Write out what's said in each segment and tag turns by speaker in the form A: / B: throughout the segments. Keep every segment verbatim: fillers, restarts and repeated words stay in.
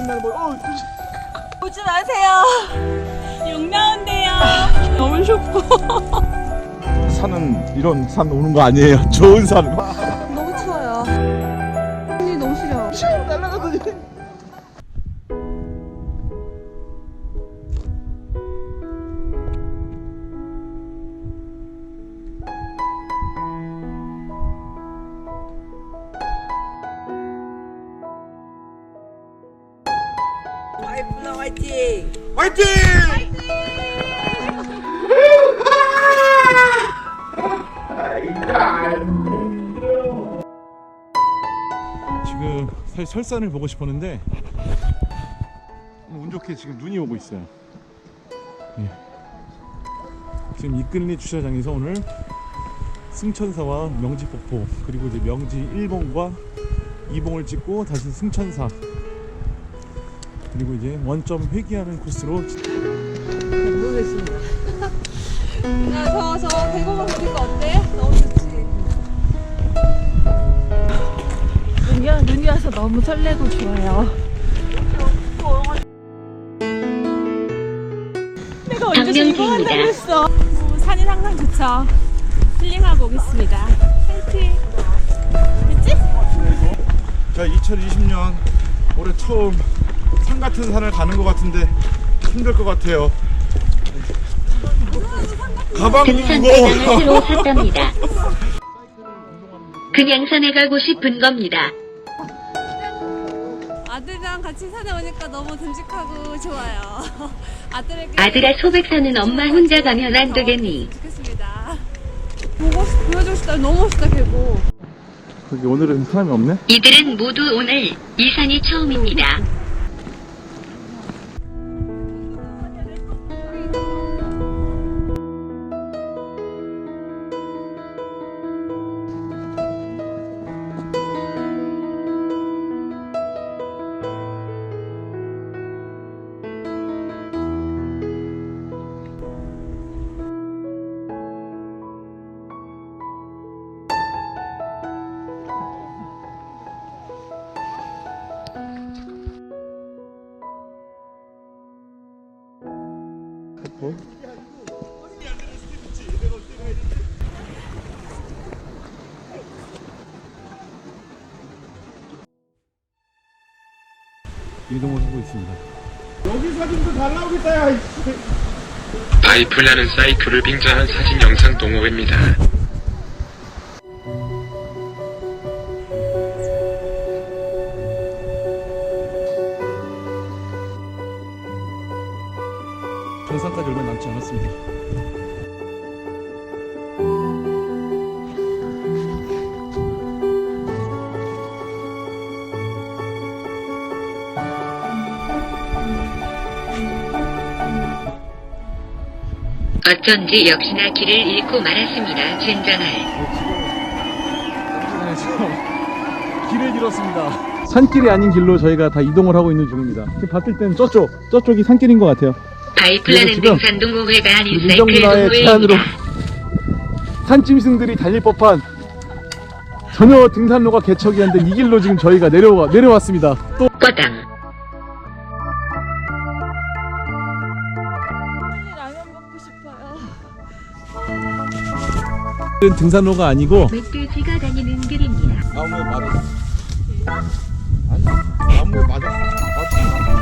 A: 나는 뭐 어,
B: 오지 마세요. 욕 나온대요. 너무 춥고.
A: 산은 이런 산 오는 거 아니에요. 좋은 산.
B: 너무 추워요. 손이 너무 시려.
A: 슉 날아가더니.
B: 와이프나 화이팅!
A: 화이팅! 지금 사실 설산을 보고 싶었는데 운 좋게 지금 눈이 오고 있어요. 예. 지금 이끌리 주차장에서 오늘 승천사와 명지폭포 그리고 이제 명지 일 봉과 이 봉을 찍고 다시 승천사 그리고 이제 원점 회귀하는 코스로
B: 모르겠습니다. 야, 저, 저 대공원 보니까 어때? 너무 좋지. 눈이, 눈이 와서 너무 설레고 좋아요. 내가 언제 이거 한다고 했어. 뭐, 산이 항상 좋죠. 힐링하고 오겠습니다. 파이팅! 됐지?
A: 자, 이천이십 년 올해 처음 산 같은 산을 가는 것 같은데 힘들 것 같아요. 가방도
C: 등산
A: 무거워.
C: 가방을 새로 샀답니다. 그냥 산에 가고 싶은 겁니다.
B: 아들이랑 같이 산에 오니까 너무 듬직하고 좋아요. 아들에게
C: 아들아 소백산은 엄마 혼자 가면 안 되겠니?
B: 좋겠습니다. 보고 싶, 보여주고 싶다. 너무 멋있다 계곡.
A: 거기 오늘은 사람이 없네?
C: 이들은 모두 오늘 이 산이 처음입니다.
A: 어? 이동을 하고 있습니다. 여기 사진도 잘 나오겠다. 야.
D: 바이플라는 사이클을 빙자한 사진 영상 동호회입니다.
A: 정상까지 얼마 남지 않았습니다.
C: 어쩐지 역시나 길을 잃고 말았습니다. 젠장할.
A: 길을 잃었습니다. 산길이 아닌 길로 저희가 다 이동을 하고 있는 중입니다. 지금 봤을 땐 저쪽, 저쪽이 산길인 것 같아요.
C: 바이플라는 등산 동호회가 아닌 사이클
A: 민정문화의 제안으로
C: 동호회입니다.
A: 산짐승들이 달릴 법한 전혀 등산로가 개척이 안 된 이 길로 지금 저희가 내려와, 내려왔습니다. 또
C: 뻐당.
B: 라면 먹고 싶어요.
A: 등산로가 아니고
C: 멧돼지가 다니는 길입니다.
A: 나무에 맞았어. 아니, 나무에 맞았어. 맞았어.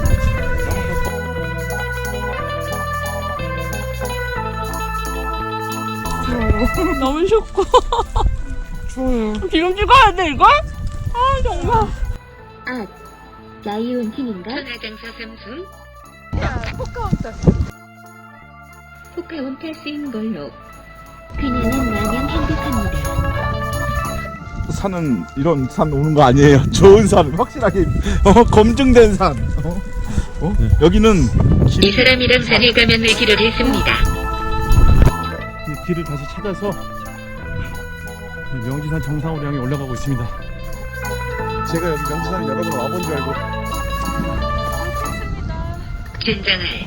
B: 너무 춥고.
A: 추워요.
B: 지금 찍어야 돼 이걸? 아 정말.
C: 아, 라이온 팀인가? 천하장사 삼순?
B: 야 포카운트.
C: 포카온 패스인 걸로. 그녀는 마냥 행복합니다.
A: 산은 이런 산 오는 거 아니에요. 좋은 산, 확실하게 어, 검증된 산. 어? 어? 네. 여기는 길,
C: 이 사람이랑 산에 가면 내기를 했습니다.
A: 이 길을 다시 찾아서 명지산 정상으로 향해 올라가고 있습니다. 제가 여기 명지산 여러 번 와본 줄 알고.
C: 젠장할.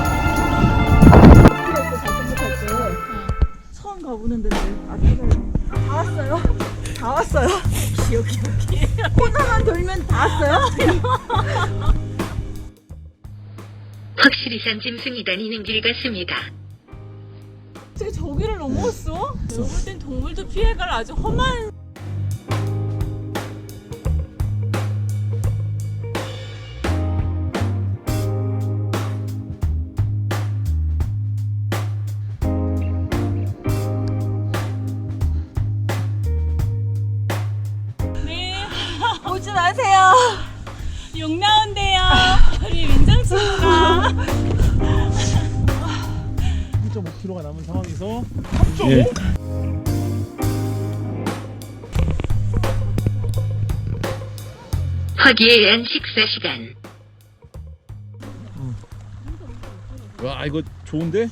B: 처음 가보는 데인데 아
E: 왔어요?
B: 여기 여기.
E: 코너만 돌면 다 왔어요?
C: 확실히 산 짐승이 다니는 길 같습니다.
B: 어떻게 저기를 넘어왔어? 잘못된 동물도 피해갈 아주 험한. 네.
E: 오지 마세요.
B: 욕 나온대요. 우리 민정 친구가.
A: 일 점 오 킬로미터가 남은 상황에서 예.
C: 화기애애한 식사 시간.
A: 와 이거 좋은데?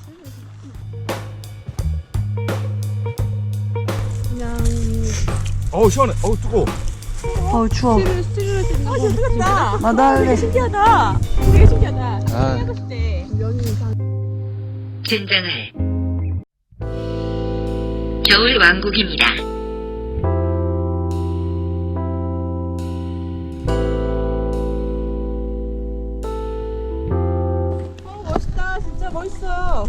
E: 그냥
A: 어우 시원해. 어우 뜨거워.
E: 어우 추워.
B: 아, 잘 생겼다.
E: 나도 할래.
B: 되게 신기하다. 되게 신기하다.
A: 아.
B: 생각했을 때.
C: 젠장할. 겨울 왕국입니다.
E: 어 멋있다. 진짜 멋있어.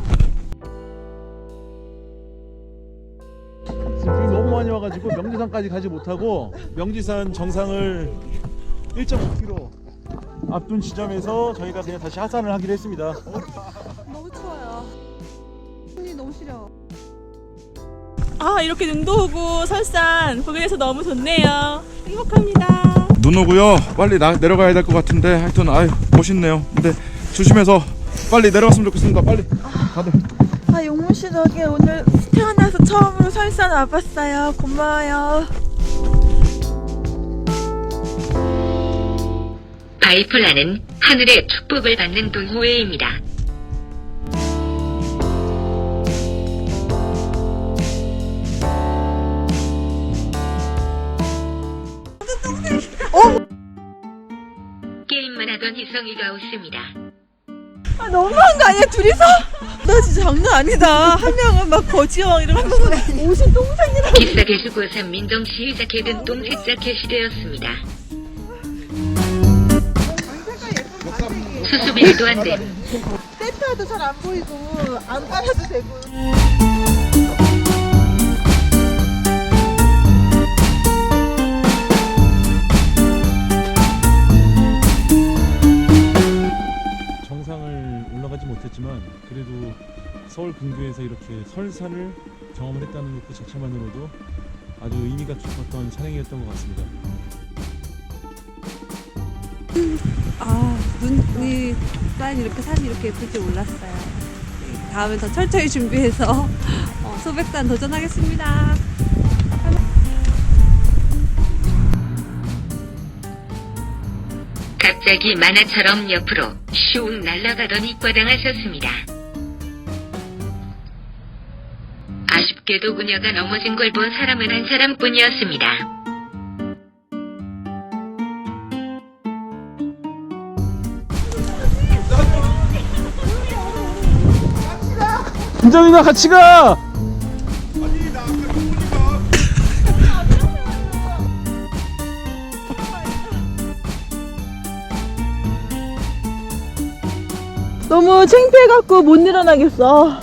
A: 지금 비 너무 많이 와가지고 명지산까지 가지 못하고 명지산 정상을 일 점 오 킬로미터 앞둔 지점에서 저희가 그냥 다시 하산을 하기로 했습니다.
E: 너무 추워요. 손이 너무 시려.
B: 아, 이렇게 눈도 오고 설산 보게 돼서 너무 좋네요. 행복합니다.
A: 눈 오고요. 빨리 나, 내려가야 될 것 같은데 하여튼 아유 멋있네요. 근데 조심해서 빨리 내려갔으면 좋겠습니다. 빨리 다들.
E: 아 용문 씨 덕에 오늘 태어나서 처음으로 설산 와봤어요. 고마워요.
C: 바이플라는 하늘의 축복을 받는 동호회입니다. 게임만 하던 희성이가 웃습니다.
E: 아 너무한 거 아니야 둘이서? 나 진짜 장난 아니다. 한 명은 막 거지왕 이러고 한 명은 옷이 똥쟁이라고.
C: 기싸게 주고 산 민정씨 자켓은 똥색 자켓이 되었습니다. 수수비도 안 됨.
E: 센터도 잘 안 보이고 안 깔아도 되고.
A: 정상을 올라가지 못했지만 그래도 서울 근교에서 이렇게 설산을 경험을 했다는 것 자체만으로도 아주 의미가 깊었던 산행이었던 것 같습니다.
F: 아, 눈이 산 이렇게 산이 이렇게 예쁠 줄 몰랐어요. 다음에 더 철저히 준비해서 어, 소백산 도전하겠습니다.
C: 갑자기 만화처럼 옆으로 슝 날아가더니 꽈당하셨습니다. 아쉽게도 그녀가 넘어진 걸 본 사람은 한 사람뿐이었습니다.
A: 김정이가 같이 가!
E: 너무 창피해갖고 못 일어나겠어.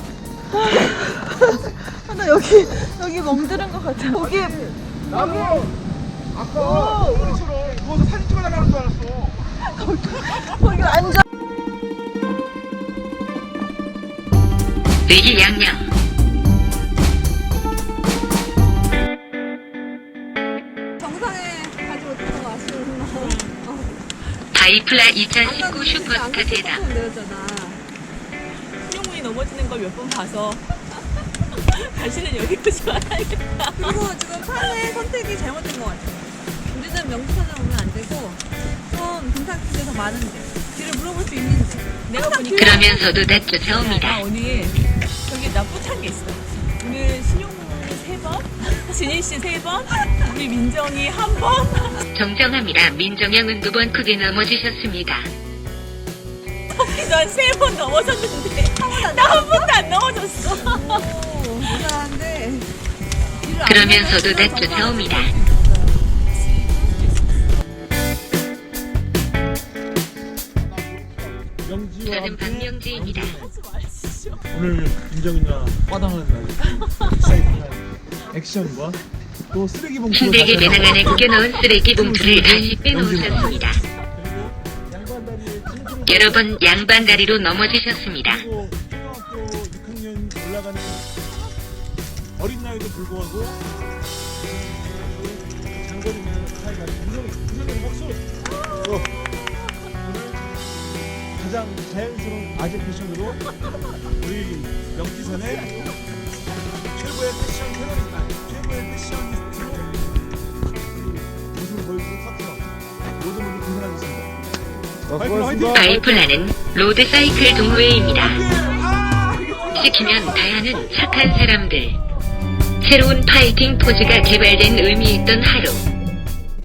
E: 아, 나 여기 여기 멍드는 것 같아. 거기
G: 나도 아까 우리처럼 누워서 사진 찍어달라는 줄 알았어.
E: 거기 앉아.
C: 의기양양.
F: 정상에 가지 못해서 아쉬운 거.
C: 바이플라 이천십구 슈퍼스타 대담.
F: 내렸잖아.
B: 신용문이 넘어지는 걸 몇 번 봐서 다시는 여기 오지 말아야겠다.
F: 그리고 지금 산의 선택이 잘못된 것 같아요. 우리는 명지산에 오면 안 되고 좀 등산길이 더 많은데 길을 물어볼 수 있는데
B: 내가 보니까
C: 그러면서도 다
B: 야,
C: 쫓아옵니다.
B: 나 오늘 저기 나 뿌찬 게 있어. 오늘 신용문 세 번, 진희 씨 세 번, 우리 민정이 한 번.
C: 정정합니다. 민정양은 두 번 크게 넘어지셨습니다.
B: 터키 전세 번 넘어졌는데 나 한 번도 안 넘어졌어.
F: 오, 이상한데
C: 그러면서도 다 쫓아옵니다. 명지입니다.
A: 오늘 김정인이랑 빠당하는 날 익사이팅한 액션과 또 쓰레기 봉투
C: 힘들게 배낭 안에 구겨넣은 쓰레기 봉투를 다시 빼놓으셨습니다. 여러 번 양반 다리로 넘어지셨습니다.
A: 그리고 초등학교 육 학년 올라가는 어린 나이도 불구하고 장거리면 사이가 김정인 김정인 박수. 어. 오늘 가장 자연스러운 아재 패션으로 우리 명지산의 최고의 패션 테러리스트, 최고의 패셔니스트로 모습을 보여주는 파트너 모든 분들 고생하셨습니다. 화이팅, 화이팅!
C: 파이프라는 로드사이클 동호회입니다. 시키면 다하는 착한 사람들. 새로운 파이팅 포즈가 개발된 의미 있던 하루.